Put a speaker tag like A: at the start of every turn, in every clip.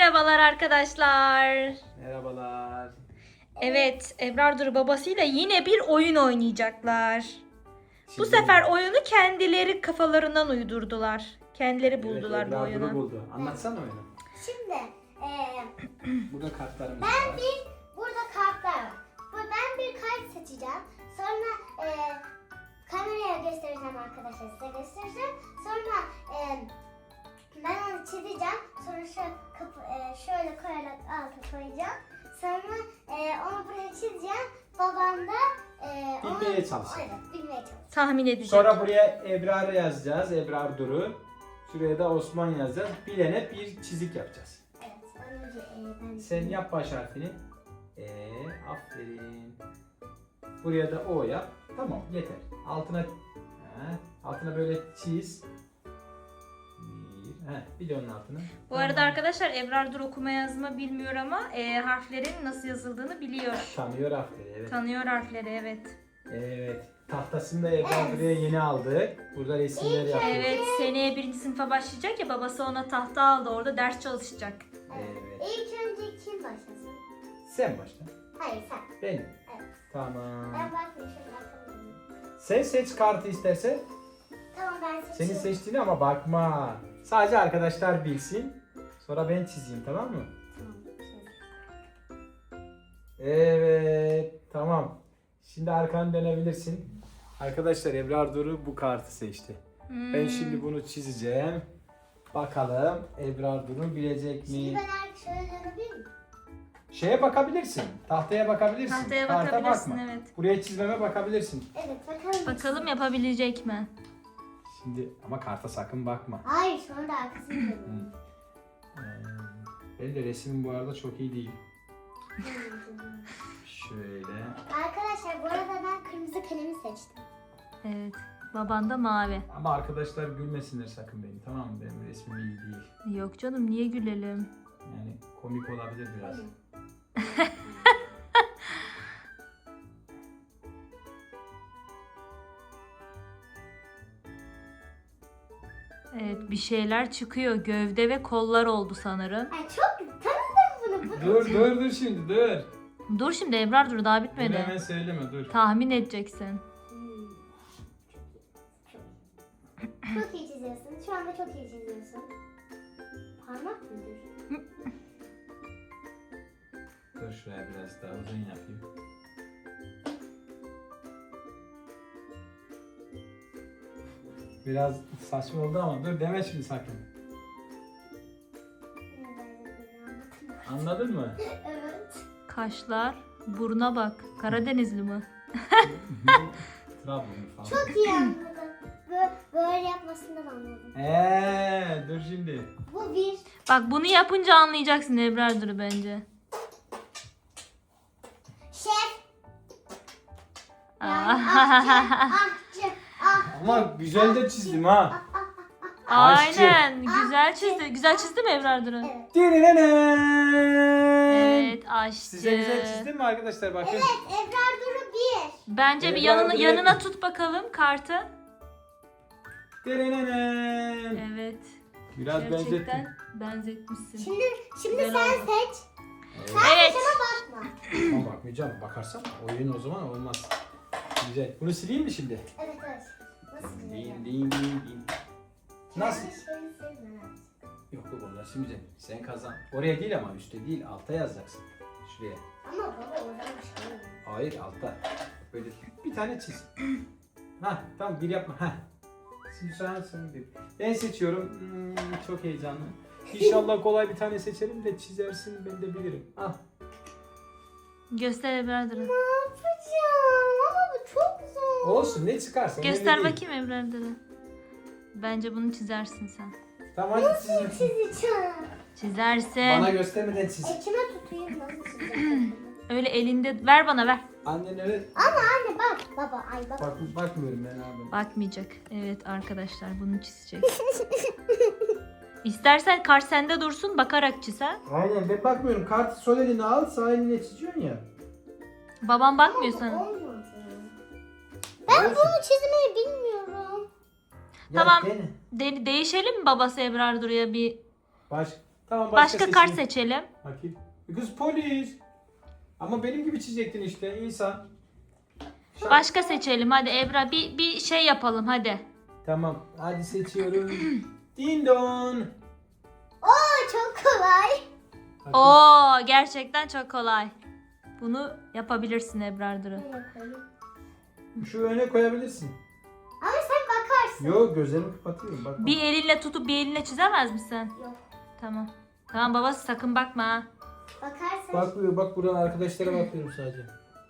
A: Merhabalar arkadaşlar.
B: Merhabalar.
A: Evet, Ebrar Duru babasıyla yine bir oyun oynayacaklar. Bu
B: Şimdi-
A: sefer oyunu kendileri kafalarından uydurdular. Kendileri
B: Evet,
A: buldular bu
B: Ebrar
A: oyunu.
B: Duru buldu. Anlatsana oyunu.
C: Şimdi
B: Burada kartlarımız
C: ben
B: var.
C: burada kartlar var. Ben bir kart seçeceğim. Sonra kameraya göstereceğim arkadaşlar, size göstereceğim. Sonra ben onu çizeceğim. Sonra şöyle koyarak alta koyacağım. Sonra onu buraya çizeceğim. Babam da
B: Bilmeye çalışacak.
C: Evet, bilmeye çalışacak.
A: Tahmin edecek.
B: Sonra buraya Ebrar yazacağız. Ebrar Duru. Şuraya da Osman yazacağız. Bilene bir çizik yapacağız.
C: Evet, önce ben...
B: Sen yap baş harfini. Aferin. Buraya da O yap. Tamam, yeter. Altına böyle çiz. Bir de onun altına.
A: Bu arada arkadaşlar Ebrar Duru okuma yazma bilmiyor ama harflerin nasıl yazıldığını biliyor.
B: Tanıyor harfleri, evet.
A: Tanıyor harfleri, evet.
B: Evet. Tahtasını da Ebrar buraya yeni aldık. Burada resimler yapıyoruz.
A: Evet, seneye 1. sınıfa başlayacak ya, babası ona tahta aldı, orada ders çalışacak.
B: Evet.
C: İlk önce kim başlasın?
B: Sen başla.
C: Hayır, sen.
B: Benim.
C: Evet.
B: Tamam.
C: Ben bakmayayım, şöyle bakalım.
B: Sen seç kartı istersen.
C: Tamam, ben
B: Senin
C: seçiyorum.
B: seçtiğini ama bakma. Sadece arkadaşlar bilsin. Sonra ben çizeyim, tamam mı?
C: Tamam,
B: Evet. Tamam. Şimdi arkanı dönebilirsin. Arkadaşlar Ebrar Duru bu kartı seçti. Ben şimdi bunu çizeceğim. Bakalım Ebrar Duru bilecek
C: Şimdi
B: mi?
C: ben artık şöyle dönebilir miyim?
B: Şeye bakabilirsin. Tahtaya bakabilirsin.
A: Tahtaya
B: Karta
A: bakabilirsin,
B: bakma.
A: evet.
B: Buraya çizmeme bakabilirsin.
C: Evet, bakalım.
A: Bakalım yapabilecek mi?
B: Şimdi ama karta sakın bakma.
C: Hayır, sonra da arkasını dönüyorum.
B: Benim de resimim bu arada çok iyi değil. Şöyle.
C: Arkadaşlar, bu arada ben kırmızı kalemi seçtim.
A: Evet. Baban da mavi.
B: Ama arkadaşlar gülmesinler sakın beni, tamam mı? Benim resmim iyi değil.
A: Yok canım, niye gülelim?
B: Yani komik olabilir biraz.
A: Evet, bir şeyler çıkıyor. Gövde ve kollar oldu sanırım.
C: Ay çok tanıdım bunu.
B: Dur şimdi dur.
A: Dur şimdi Ebrar, dur daha
B: Dur
A: bitmedi.
B: hemen söyleme dur.
A: Tahmin edeceksin.
C: Çok iyi çiziyorsun. Şu anda çok iyi çiziyorsun. Parmak mıdır?
B: Dur şuraya biraz daha uzun yapayım. Biraz saçma oldu ama dur deme şimdi sakın. Anladın mı?
C: Evet.
A: Kaşlar, buruna bak. Karadenizli mi?
B: Trabzon falan.
C: Çok iyi anladım. Böyle yapmasından anladım.
B: Dur şimdi.
C: Bu bir.
A: Bak bunu yapınca anlayacaksın Ebrar Duru bence.
C: Şef. Yani
A: Aa.
C: ahçı.
B: Ama güzel de çizdim ha.
A: Aynen. Güzel çizdi. Güzel çizdi mi Ebrar Duru?
C: Evet.
A: Evet, aşçı.
B: Size güzel çizdim mi arkadaşlar? Bakın.
C: Evet, Ebrar Duru bir.
A: Bence bir
B: Ebrar Duru
A: yanına
B: yapıyor.
A: tut bakalım kartı. Evet.
B: Biraz benzettim.
A: Gerçekten benzetmişsin.
C: Şimdi
A: Güzel
C: sen
A: oldu.
C: seç.
A: Evet.
C: Bakma.
B: Ama bakmayacağım. Bakarsam oyun o zaman olmaz. Güzel. Bunu sileyim mi şimdi?
C: Evet, evet. Nasıl
B: Din
C: diyeceğim?
B: din din din. Nasıl?
C: Kendi şeyini sevme.
B: Yok onlar şimdi sen kazan. Oraya değil ama üstte değil, alta yazacaksın. Şuraya.
C: Ama baba oradan bir şey yok.
B: Hayır, alta. Böyle bir tane çiz. Ha tamam, bir yapma. Ha. Şimdi sen bir. Ben seçiyorum. Çok heyecanlı. İnşallah kolay bir tane seçerim de çizersin, ben de bilirim. Ah.
A: Göster Ebrar Duru.
C: Ne yapacağım? Ama bu çok zor.
B: Olsun, ne çıkarsa.
A: Göster
B: önemli değil.
A: bakayım Ebrar Duru. Bence bunu çizersin sen.
B: Tamam hadi çizin.
C: Çizeceğim.
A: Çizersin.
B: Bana göstermeden çiz.
C: Kime tutayım? Nasıl çizeceğim?
A: Öyle elinde ver, bana ver.
B: Annen öyle.
C: Anne bak. Baba ay bak.
B: Bakmıyorum ben abi.
A: Bakmayacak. Evet arkadaşlar, bunu çizecek. İstersen kart sende dursun, bakarak çiz ha.
B: Aynen, ben bakmıyorum. Kartı sol eline al, sağ eline çiziyorsun ya.
A: Babam bakmıyor sana.
C: Olmadı. Ben
B: Olsun.
C: bunu çizmeyi bilmiyorum.
B: Ya
A: Tamam.
B: dene.
A: Değişelim mi babası Ebrar Duru'ya bir?
B: Tamam
A: Başka kart
B: seçeyim.
A: seçelim.
B: Bakayım. Kız polis. Ama benim gibi çizecektin işte insan.
A: Başka seçelim hadi Ebrar. Bir şey yapalım hadi.
B: Tamam hadi seçiyorum. Din don.
C: Oo çok kolay.
B: Bakayım.
A: Oo gerçekten çok kolay. Bunu yapabilirsin Ebrar Duru.
C: Nereye koyayım?
B: Şu öne koyabilirsin.
C: Ama sen bakarsın.
B: Yok gözlerimi kapatıyorum. Bak.
A: Bir elinle tutup bir elinle çizemez misin?
C: Yok.
A: Tamam. Tamam babası sakın bakma ha.
C: Bakarsın.
B: Bakmıyor bak buradan arkadaşlara bakıyorum sadece.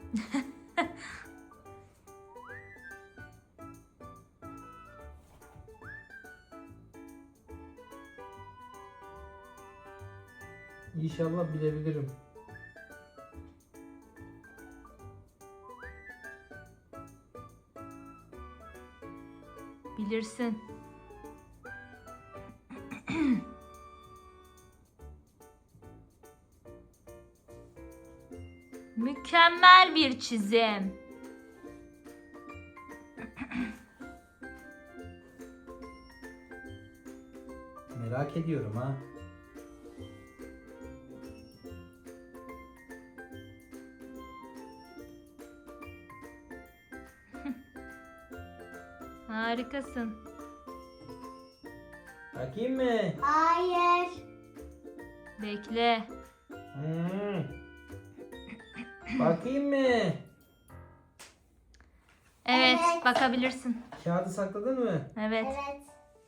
B: İnşallah bilebilirim.
A: Bilirsin. Mükemmel bir çizim.
B: Merak ediyorum ha.
A: Harikasın.
B: Bakayım mı?
C: Hayır.
A: Bekle.
B: Bakayım mı?
A: Evet,
C: Evet.
A: bakabilirsin.
B: Kağıdı sakladın mı?
A: Evet.
C: Evet.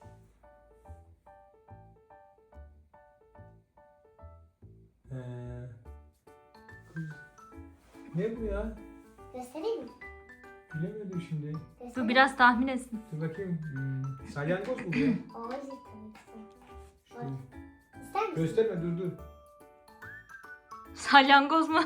B: Ee, ne bu ya?
C: Göstereyim mi?
B: Bilemedim şimdi.
A: Bu biraz tahmin etsin.
B: Dur bakayım. Salyangoz mu bu ya?
C: Hayır tabii ki.
B: Şu-
C: İster misin?
B: Gösterme dur.
A: Salyangoz mu?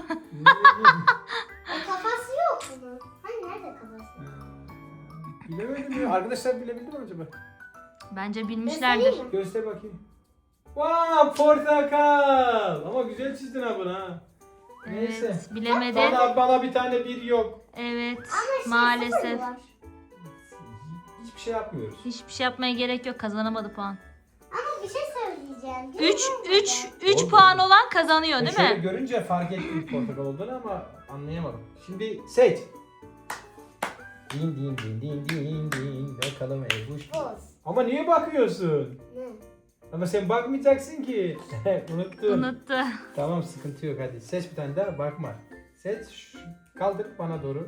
C: Kafası yok bunun. Hani nerede kafası?
B: Bilemedim ya. Arkadaşlar bilebildi mi acaba?
A: Bence bilmişlerdir.
C: Göstereyim mi?
B: Göster bakayım. Vaa portakal. Ama güzel çizdin ha bunu ha. Neyse.
A: Evet, bilemedin.
B: Bana bir tane bir yok.
A: Evet,
C: Ama şey
A: maalesef.
C: sıfır var.
B: Hiçbir şey yapmıyoruz.
A: Hiçbir şey yapmaya gerek yok. Kazanamadı puan.
C: Ama bir şey söyleyeceğim.
A: 3
B: Oldu.
A: puan olan kazanıyor değil
B: Şöyle
A: mi?
B: görünce fark ettim portakal olduğunu ama anlayamadım. Şimdi seç. Din din din din din din. Bakalım Ebuş.
C: Boz.
B: Ama niye bakıyorsun?
C: Ne?
B: Ama sen bakmayacaksın ki. Unuttum.
A: Unuttu.
B: Tamam sıkıntı yok hadi. Seç bir tane daha bakma. Seç. Kaldır bana doğru.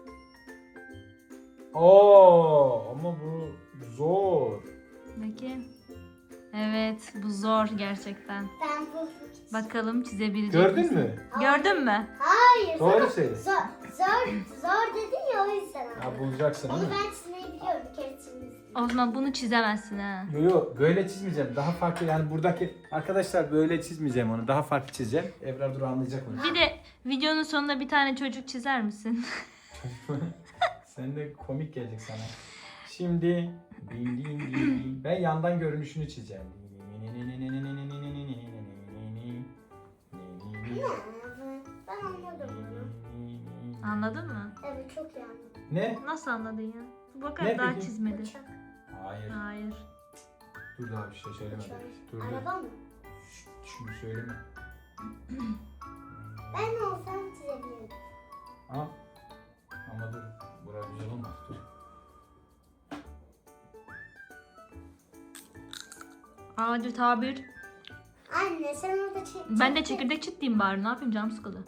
B: Oo ama bu zor.
A: Bakayım. Evet, bu zor gerçekten.
C: Ben bu...
A: Bakalım çizebilecek
B: Gördün
A: misin?
B: mü?
A: Gördün mü?
C: Hayır.
B: Doğru söyle.
C: Zor dedin ya o yüzden.
B: Ya bulacaksın
C: Onu
B: değil mi?
C: ben çizmeyi biliyorum. Bir kere çizmiştim.
A: O zaman bunu çizemezsin ha.
B: Yo böyle çizmeyeceğim. Daha farklı yani buradaki arkadaşlar böyle çizmeyeceğim onu. Daha farklı çizeceğim. Ebrar dur anlayacak onu.
A: Bir de videonun sonunda bir tane çocuk çizer misin?
B: Sen de komik gelecek sana. Şimdi ben yandan görünüşünü çizeceğim.
C: Ben anladım bunu.
A: Anladın mı?
C: Evet çok iyi anladım.
B: Ne?
A: Nasıl anladın ya? Bu bakar
B: Ne
A: daha
B: peki?
A: çizmedi.
C: Uçak.
B: Hayır.
A: Hayır.
B: Dur daha bir şey söyleme.
C: Uçak.
B: Dur.
C: Araba mı?
B: Şunu söyleme.
C: Ben olsam çizebilirim.
B: Ha? Ama dur. Burası güzel olmaz. Dur.
A: Adi tabir.
C: Anne sen orada çek.
A: Ben de çekirdek çitleyeyim bari. Ne yapayım, canım sıkıldı.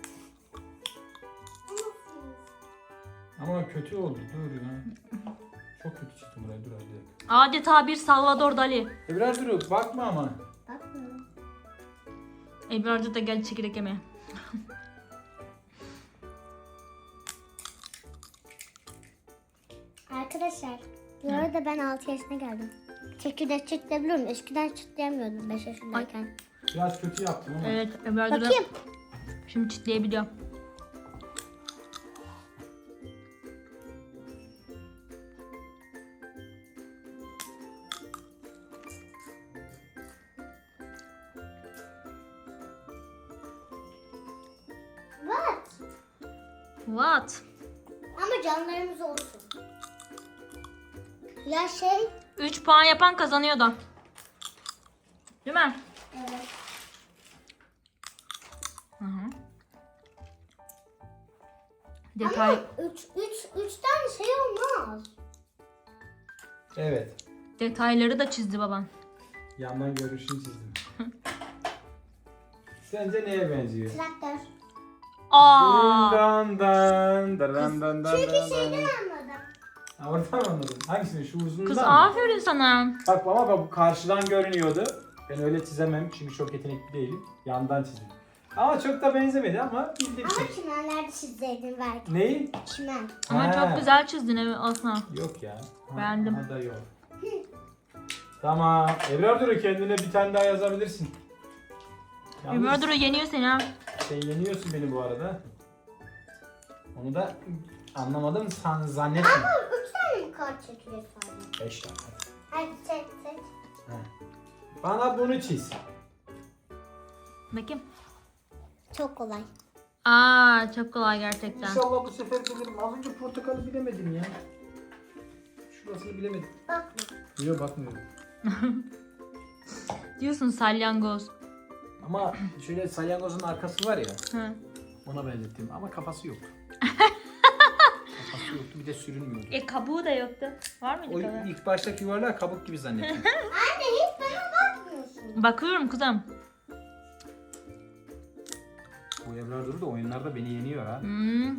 B: Ama kötü oldu. Dur ya. Çok kötü çizdim burayı. Dur hadi.
A: Adi tabir Salvador Dali.
B: Biraz dur. Bakma ama.
C: Bakmıyorum.
A: Ebrar'cı da gel çekirdek yemeye.
C: Arkadaşlar bu arada ben 6 yaşına geldim. Çekirdek çitleyebiliyorum. Eskiden çitleyemiyordum 5 yaşındayken.
B: Biraz kötü yaptım ama.
A: Evet, Ebrar'cı da
C: Bakayım.
A: şimdi çitleyebiliyor.
C: What?
A: What?
C: Ama canlarımız olsun. Ya şey.
A: 3 puan yapan kazanıyor da. Değil mi?
C: Evet.
A: Detay.
C: Ama üç tane şey olmaz.
B: Evet.
A: Detayları da çizdi babam.
B: Yandan görünüşünü çizdim. Sence neye benziyor?
C: Traktör.
A: Aa!
B: Dan dan dan dan dan
C: Çünkü
B: dan
C: şeyden
B: dan.
C: anladım.
B: Ha, oradan anladım. Hangisini? Şu uzunluğundan
A: Kız
B: mı?
A: aferin sana.
B: Bak ama bu karşıdan görünüyordu. Ben öyle çizemem çünkü çok yetenekli değilim. Yandan çizdim. Ama çok da benzemedi ama bildim
C: Ama
B: şey.
C: çimenlerde çizseydin belki.
B: Neyi?
C: Çimen.
A: Ama
B: Ha.
A: çok güzel çizdin evet aslında.
B: Yok ya. Ha,
A: Beğendim.
B: Ha da yok. Tamam. Ebrar Duru kendine bir tane daha yazabilirsin. Yalnız
A: Ebrar Duru yeniyor seni ha.
B: Sen yeniyorsun beni bu arada. Onu da anlamadım zannetme.
C: Ama 3 tane mi kart çekiyor sadece?
B: 5 tane.
C: Hadi seç.
B: Bana bunu çiz.
A: Bakayım.
C: Çok kolay.
A: Aa çok kolay gerçekten.
B: İnşallah bu sefer bilirim. Az önce portakalı bilemedim ya. Şurasını bilemedim.
C: Bakma.
B: Yok bakmıyorum.
A: Diyorsun salyangoz.
B: Ama şöyle salyangozun arkası var ya.
A: Hı.
B: Ona benzettim ama kafası yoktu. Kafası yoktu bir de sürünmüyordu.
A: Kabuğu da yoktu. Var mıydı
B: O
A: kabuğu?
B: ilk baştaki yuvarlağı kabuk gibi zannettim.
C: Anne hiç bana bakmıyorsun.
A: Bakıyorum kızım.
B: Bu Ebrar Duru da oyunlarda beni yeniyor ha.
A: Hmm.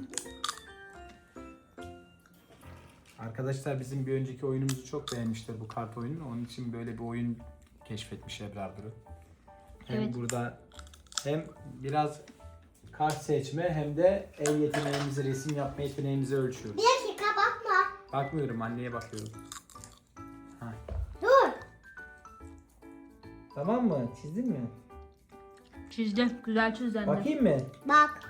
B: Arkadaşlar bizim bir önceki oyunumuzu çok beğenmişler bu kart oyununu. Onun için böyle bir oyun keşfetmiş Ebrar Duru. Hem
A: Evet.
B: burada hem biraz kart seçme hem de el yeteneğimizi, resim yapma yeteneğimizi ölçüyoruz.
C: Bir dakika bakma.
B: Bakmıyorum, anneye bakıyorum. Ha.
C: Dur.
B: Tamam mı? Çizdin mi?
A: Çizdi. Güzel çizdi anne.
B: Bakayım mı?
C: Bak.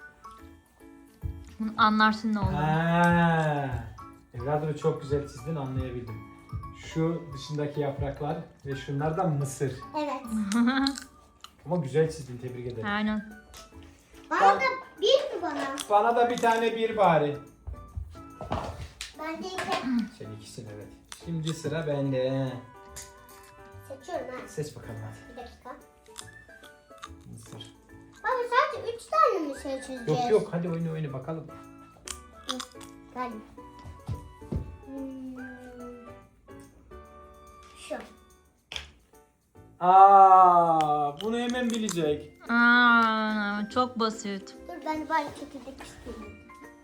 A: Bunu anlarsın ne olur.
B: Ha. Ebrar Duru çok güzel çizdin, anlayabildim. Şu dışındaki yapraklar ve şunlar da mısır.
C: Evet.
B: Ama güzel çizdin, tebrik ederim.
A: Aynen.
C: Bana da bir mi bana?
B: Bana da bir tane bir bari.
C: Ben de iki.
B: Sen ikisin evet. Şimdi sıra bende.
C: Seçiyorum ha.
B: Seç bakalım hadi.
C: Bir dakika.
B: Mısır.
C: Baba sadece 3 tane mi şey çizeceğiz?
B: Yok yok hadi oyna bakalım.
C: Hadi. Hmm. Şu.
B: Bunu hemen bilecek.
A: Aa, çok basit.
C: Dur ben bari çekirdek istiyorum.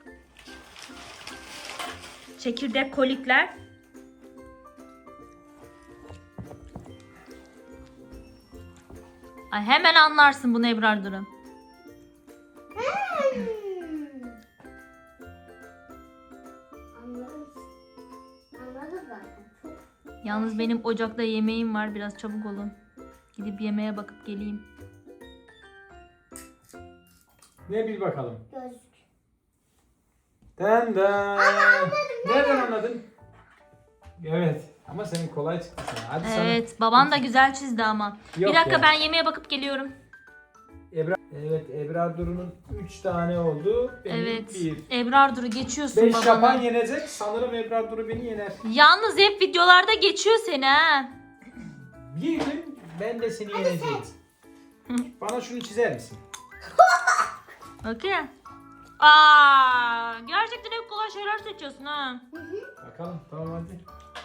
A: Çekirdek kolikler. Ay hemen anlarsın bunu Ebrar Duru.
C: Anladım. Anladım zaten. Çok.
A: Yalnız benim ocakta yemeğim var. Biraz çabuk olun. Gidip yemeğe bakıp geleyim.
B: Ne bil bakalım.
C: Gözlük.
B: Den den. Nereden anladın? Evet. Ama senin kolay çıktı sana. Hadi
A: Evet, baban da güzel çizdi ama.
B: Yok
A: Bir dakika
B: ya.
A: ben yemeğe bakıp geliyorum.
B: Evet Ebrar Duru'nun 3 tane oldu. Benim
A: Evet.
B: 1.
A: Ebrar Duru geçiyorsun
B: 5
A: babana.
B: yapan yenecek. Sanırım Ebrar Duru beni yener.
A: Yalnız hep videolarda geçiyor seni ha.
B: Bir gün ben de seni yeneceğim. Bana şunu çizer misin?
A: Okey. Aa, gerçekten hep kolay şeyler seçiyorsun ha.
B: Bakalım tamam hadi.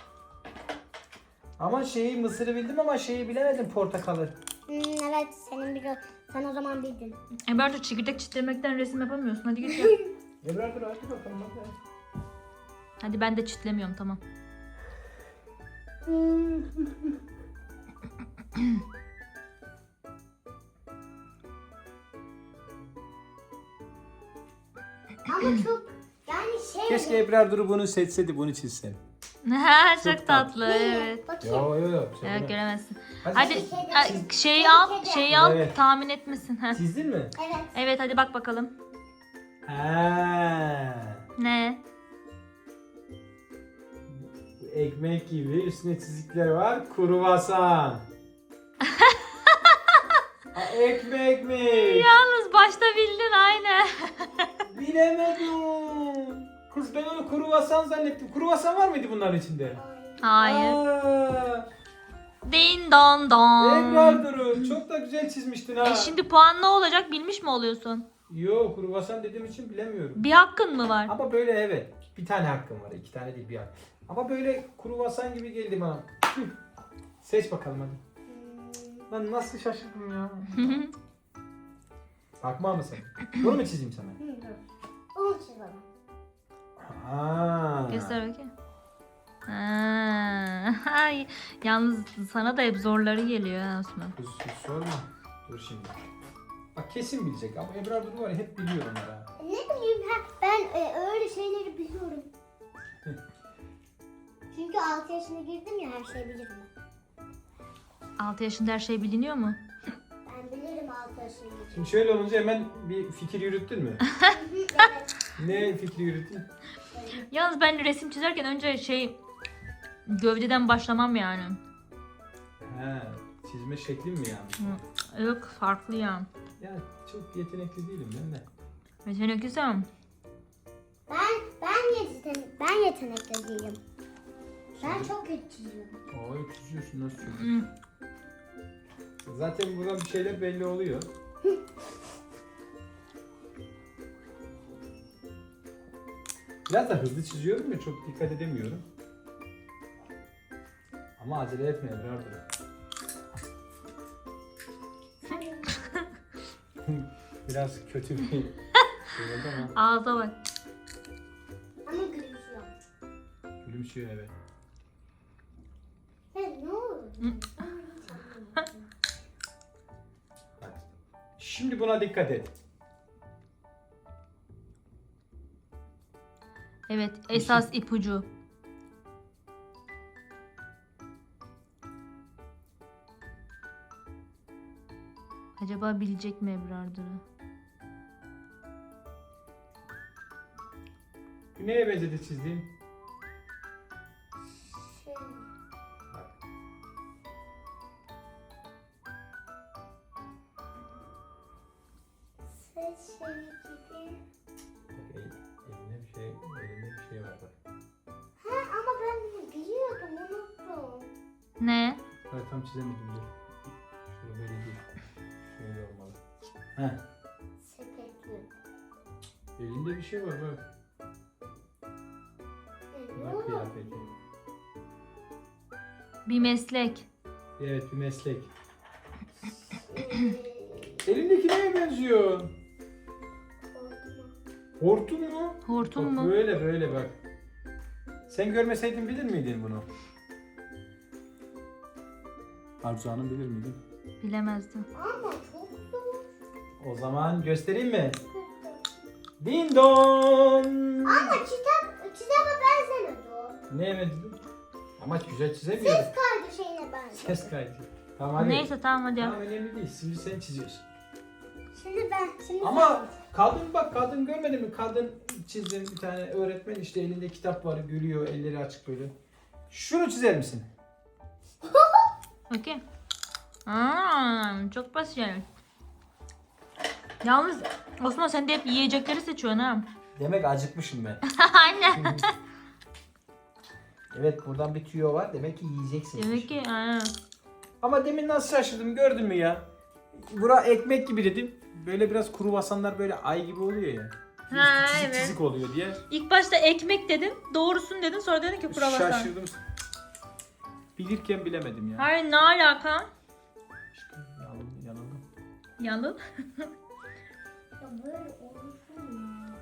B: Ama mısırı bildim ama bilemedim portakalı.
C: Evet sen o zaman bildin.
A: Ebrar Duru çekirdek çitlemekten resim yapamıyorsun. Hadi git ya.
B: Ebrar Duru hadi bakalım hadi.
A: Hadi ben de çitlemiyorum tamam.
C: Ama çok yani şey.
B: Keşke Ebrar Duru bunu seçseydi bunu çizsem.
A: Ha,
B: Çok
A: çok tatlı evet.
C: Bakayım.
B: Yo.
A: Evet göremezsin.
B: Hadi,
A: Hadi
B: çiz.
A: şeyi al
B: Evet.
A: tahmin etmesin. Ha.
B: Çizdin mi?
C: Evet.
A: Evet hadi bak bakalım.
B: Ha.
A: Ne?
B: Ekmek gibi üstüne çizikler var. Kruvasan. Ekmek mi?
A: Yalnız başta bildin aynı.
B: Bilemedim. Kız ben onu kruvasan zannettim. Kruvasan var mıydı bunların içinde?
A: Hayır.
B: Aa,
A: Din don don.
B: Ebrar Duru çok da güzel çizmiştin ha.
A: Şimdi puan ne olacak bilmiş mi oluyorsun?
B: Yok, kruvasan dediğim için bilemiyorum.
A: Bir hakkın mı var?
B: Ama böyle evet. Bir tane hakkım var. 2 tane değil, bir hakkım. Ama böyle kruvasan gibi geldi bana. Tüh. Seç bakalım hadi. Lan nasıl şaşırdım ya. Bakma mısın? Bunu mu çizeyim sana?
C: Onu çiz bana.
B: Aa.
A: Göster bakayım. Ay, yalnız sana da hep zorları geliyor ha Osman.
B: Sus sorma. Dur şimdi. Bak kesin bilecek ama Ebrar Duru var ya, hep biliyor onları.
C: Ne bileyim ben öyle şeyleri biliyorum. Çünkü 6 yaşına girdim ya, her şeyi bilirim.
A: 6 yaşında her şey biliniyor mu?
C: Ben bilirim 6 yaşına girdim.
B: Şimdi şöyle olunca hemen bir fikir yürüttün mü?
C: Evet.
B: Ne fikri yürüttün?
A: Yalnız ben resim çizerken önce gövdeden başlamam yani.
B: He, çizme şeklin mi yani?
A: Yok, farklı ya.
B: Ya çok yetenekli değilim ben de.
A: Yetenekliyim.
C: Ben yetenekli değilim. Ben çok kötü çiziyorum.
B: Aa, çiziyorsun, nasıl çiziyorsun? Zaten buradan bir şeyler belli oluyor. Biraz da hızlı çiziyorum ya, çok dikkat edemiyorum. Ama acele etme Ebrar Duru. Biraz kötü bir şey oldu ama
A: Ağza bak.
C: Ama gülümsüyor.
B: gülümsüyor evet.
C: Ne olur?
B: Hadi. Şimdi buna dikkat et.
A: Evet, esas ipucu. Acaba bilecek mi Ebrar Duru?
B: Bu neye benzedi çizdiğim?
C: Şey,
B: Bak.
C: ses şeyi gibi.
B: Bak elinde bir şey var bak.
C: Ha, ama ben bunu biliyordum, unuttum.
A: Ne?
B: Evet, tam çizemedim dur. Şöyle böyle değil. Şöyle olmalı. Heh.
C: Sepetli.
B: Elinde bir şey var bak.
C: Ne
B: Bak
C: olur?
B: kıyafeti.
A: Bir meslek.
B: Evet, bir meslek.
C: Ee,
B: Elindeki neye benziyor?
C: korkma.
B: Hortum mu?
A: Hortum
B: Bak,
A: mu?
B: böyle bak. Sen görmeseydin bilir miydin bunu? Arzu Hanım bilir miydin?
A: Bilemezdim.
C: Ama çok zor.
B: O zaman göstereyim mi? Din don.
C: Ama kitaba benzemedi o.
B: Neye benziyor? Ama güzel çizemiyorum.
C: Ses kaydı şeyine benziyor.
B: Ses kaydı. Tamam hadi.
A: Neyse tamam hadi.
B: Tamam, önemli değil. Şimdi sen çiziyorsun.
C: Şimdi
B: Ama kadın görmedin mi? Kadın çizdim, bir tane öğretmen işte elinde kitap var, gülüyor, elleri açık böyle. Şunu çizer misin?
A: Okey. Çok basit yani. Yalnız Osman sen de hep yiyecekleri seçiyorsun ha.
B: Demek acıkmışım ben.
A: Aynen.
B: Evet, buradan bir tüyo var. Demek ki yiyeceksin.
A: Demek ki aynen.
B: Ama demin nasıl şaşırdım, gördün mü ya? Bura ekmek gibi dedim. Böyle biraz kruvasanlar böyle ay gibi oluyor ya.
A: Ha,
B: Üstü çizik
A: evet.
B: çizik oluyor diye.
A: İlk başta ekmek dedin, doğrusun dedin, sonra dedin ki kruvasan.
B: Şaşırdım. Bilirken bilemedim ya.
A: Hayır, ne alaka?
B: İşte yanıldım.
A: Yalan.
C: Ya böyle olsun ya.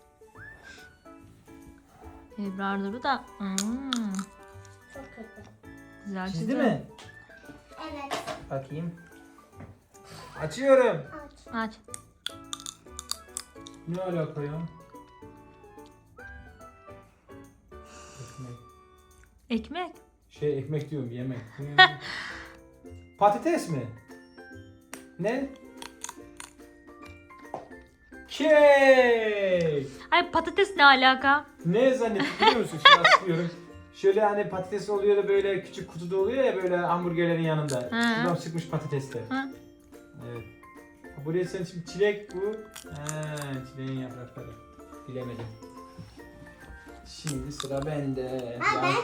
A: Ebrar Duru da
C: Çok kötü.
A: güzel
B: Çizdi
A: çizdi.
B: mi?
C: Evet.
B: Bakayım. Açıyorum.
C: Aç.
A: Aç.
B: Ne alaka ya? Ekmek.
A: Ekmek.
B: Ekmek diyorum, yemek. Patates mi? Ne? Kek.
A: Ay patates ne alaka?
B: Ne zannettin biliyor musun? Şimdi açıklıyorum. Şöyle hani patates oluyor da böyle küçük kutuda oluyor ya, böyle hamburgerlerin yanında.
A: Hı.
B: Şuradan çıkmış patatesler.
A: Hı.
B: Evet. Buraya sen şimdi çilek bu. Çileğin yaprakları. Bilemedim. Şimdi sıra bende.
C: Ha ben.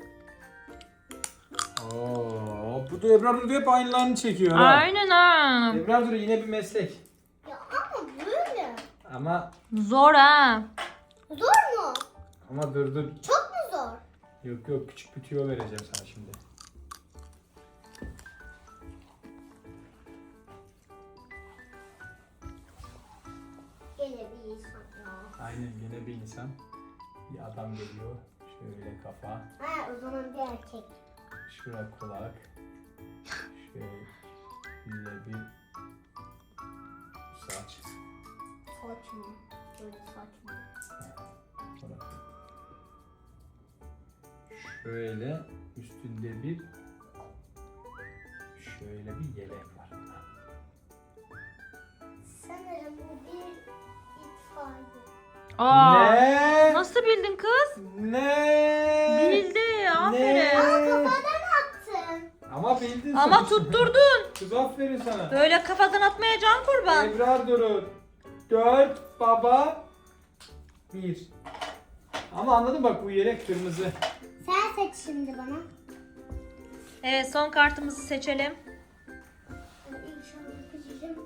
B: Oo, bu da Ebrar Duru hep aynılarını çekiyor ha.
A: Aynen ha.
B: Ebrar Duru yine bir meslek.
C: Ya ama böyle.
B: Ama
A: Zor ha.
C: Zor mu?
B: ama dur.
C: Çok mu zor?
B: Yok küçük bir tüyo vereceğim sana şimdi.
C: Gene bir insan ya.
B: Aynen yine bir insan. Bir adam geliyor. Şöyle kafa.
C: Ha, o zaman bir erkek.
B: Şura kulak. Şöyle bir saç.
C: Saç mı? Böyle saç mı?
B: Şöyle üstünde bir şöyle bir yelek var.
C: Sanırım bu bir itfaiye.
A: Aa.
B: Ne?
A: Nasıl bildin kız?
B: Ne?
A: Bildi. Aferin.
C: Kafadan attın.
B: Ama bildin
A: Ama
B: sonuçta.
A: tutturdun.
B: Kız aferin sana.
A: Böyle kafadan atmaya can kurban.
B: Ebrar Duru. 4 baba 1. Ama anladın bak bu yelek kırmızı.
C: Sen seç şimdi bana.
A: Evet, son kartımızı seçelim.
C: İnşallah seçeceğim.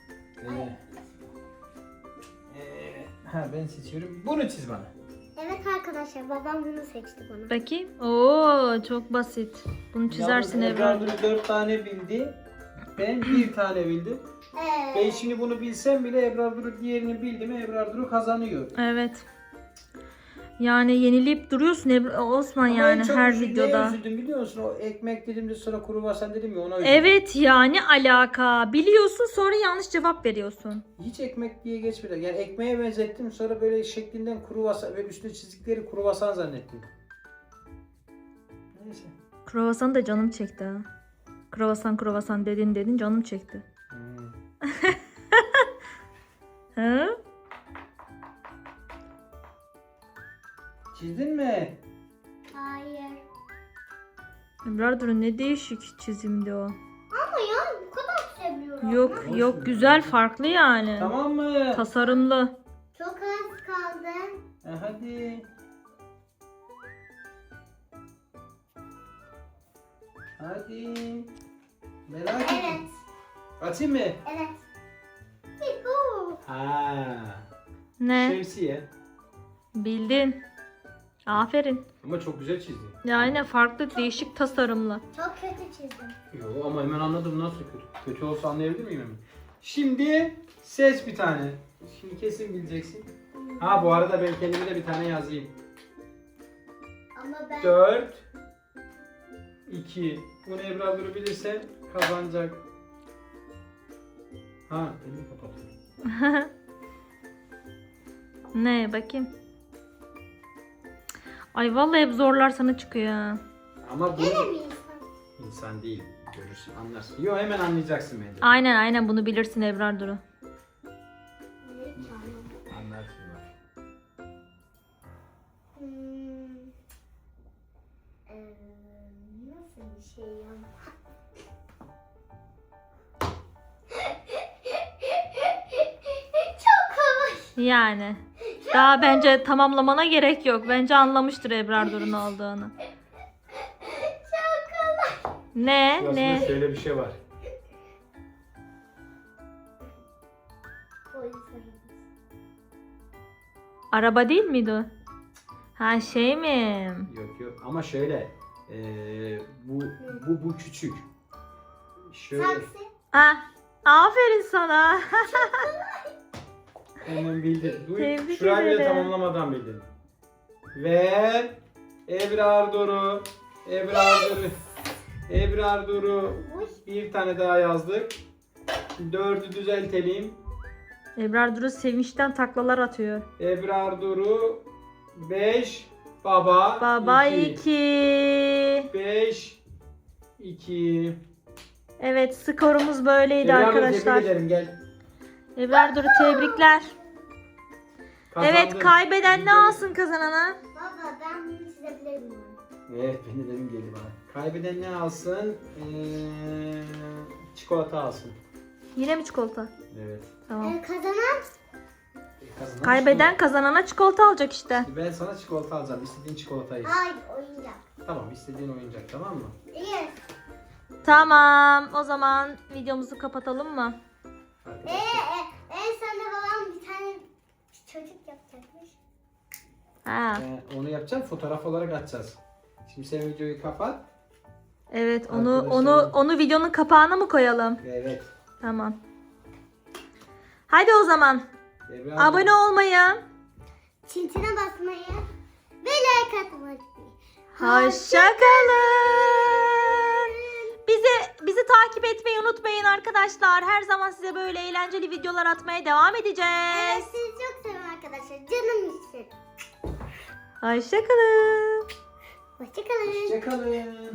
B: Ben seçiyorum. Bunu çiz bana.
C: Evet arkadaşlar, babam bunu seçti bana.
A: Bakayım. Oo, çok basit. Bunu çizersin
B: Yalnız
A: Ebrar.
B: Duru 4 tane bildi. Ben 1 tane bildim. Ben şimdi bunu bilsem bile Ebrar Duru diğerini bildi mi Ebrar Duru kazanıyor.
A: Evet. Yani yenileyip duruyorsun Osman
B: Ama
A: yani
B: en çok
A: her
B: neye
A: videoda.
B: üzüldüm biliyor musun? O ekmek dedim de sonra kruvasan dedim ya ona üzüldüm.
A: Evet yani alaka. Biliyorsun sonra yanlış cevap veriyorsun.
B: Hiç ekmek diye geçmedi. Yani ekmeğe benzettim sonra böyle şeklinden kruvasan ve üstüne çizdikleri kruvasan zannettim. Neyse.
A: Kruvasan da canım çekti ha. Kruvasan dedin canım çekti. Hı?
B: Çizdin mi?
C: Hayır.
A: Ebrar Duru ne değişik çizimdi o.
C: Ama ya bu kadar seviyorum.
A: Yok
B: Olsun.
A: yok güzel farklı yani.
B: Tamam mı?
A: Tasarımlı.
C: Çok az kaldı.
B: Hadi. Hadi. Merak etme.
C: Evet.
B: Atayım mı?
C: Evet. Yuhu.
B: Ha.
A: Ne?
B: Şemsiye.
A: Bildin. Aferin.
B: Ama çok güzel çizdin.
A: Yani farklı değişik tasarımlı.
C: Çok kötü çizdim.
B: Yo ama hemen anladım nasıl kötü. Kötü olsa anlayabilir miyim hemen? Şimdi seç bir tane. Şimdi kesin bileceksin. Ha bu arada ben kendime de bir tane yazayım.
C: Ama ben
B: 4 2. Bunu Ebrar Duru bilirse kazanacak. Ha, elimi kapatıyorum.
A: Ne bakayım. Ay vallahi hep zorlar sana çıkıyor ha.
B: Ama bu
C: gene mi insan?
B: insan değil. Görürsün, anlarsın. Yo hemen anlayacaksın bence.
A: Aynen bunu bilirsin Ebrar Duru.
C: Ne canım?
B: Anlarsın bak.
C: Nasıl bir şey ya? Çok kolay.
A: Yani. Daha bence tamamlamana gerek yok. Bence anlamıştır Ebrar Duru'nun olduğunu.
C: Çok kolay.
A: Ne?
B: Aslında
A: Ne?
B: şöyle bir şey var.
C: Polis arabası.
A: Araba değil miydi o? Ha şey mi?
B: Yok ama şöyle. Bu küçük. Şöyle
C: Taksi.
A: Ah, aferin sana.
B: hemen bildin.
A: Tebrik
B: Şurayı bile
A: ederim.
B: tamamlamadan bildin. Ve Ebrar Duru. Ebrar Duru.
C: Uy.
B: Bir tane daha yazdık. 4'ü düzeltelim.
A: Ebrar Duru sevinçten taklalar atıyor.
B: Ebrar Duru 5 baba
A: Baba
B: 2
A: 2.
B: 5 2.
A: Evet skorumuz böyleydi
B: Ebrar Duru
A: arkadaşlar.
B: tebrik ederim gel.
A: Ebrar Duru tebrikler. Evet
B: Kazandın.
A: kaybeden ne alsın kazanana?
C: Baba ben bunu çizebilir miyim?
B: Evet beni demin geldi bana. Kaybeden ne alsın? Çikolata alsın.
A: Yine mi çikolata?
B: Evet.
A: Tamam.
C: Kazanan
B: Kazanan
A: Kaybeden kazanana çikolata alacak işte.
B: çikolata. Ben sana çikolata alacağım. İstediğin çikolatayı.
C: hayır oyuncak.
B: Tamam istediğin oyuncak tamam mı?
C: İyi.
A: Tamam o zaman videomuzu kapatalım mı?
B: Arkadaşlar.
C: En sonunda babam bir tane çocuk yapacakmış.
A: Ha.
B: Onu yapacağım, fotoğraf olarak atacağız. Şimdi sen videoyu kapat.
A: Evet,
B: Arkadaşlar-
A: onu videonun kapağına mı koyalım?
B: Evet.
A: Tamam. Hadi o zaman.
B: Ebrar,
A: Abone olmayı,
C: Çintine basmayı ve like atmayı.
A: hoşça kalın. Bizi takip etmeyi unutmayın arkadaşlar. Her zaman size böyle eğlenceli videolar atmaya devam
C: Evet,
A: edeceğiz.
C: sizi çok seviyorum arkadaşlar. Canım için.
A: Hoşça kalın.
C: Hoşçakalın.
B: Hoşçakalın.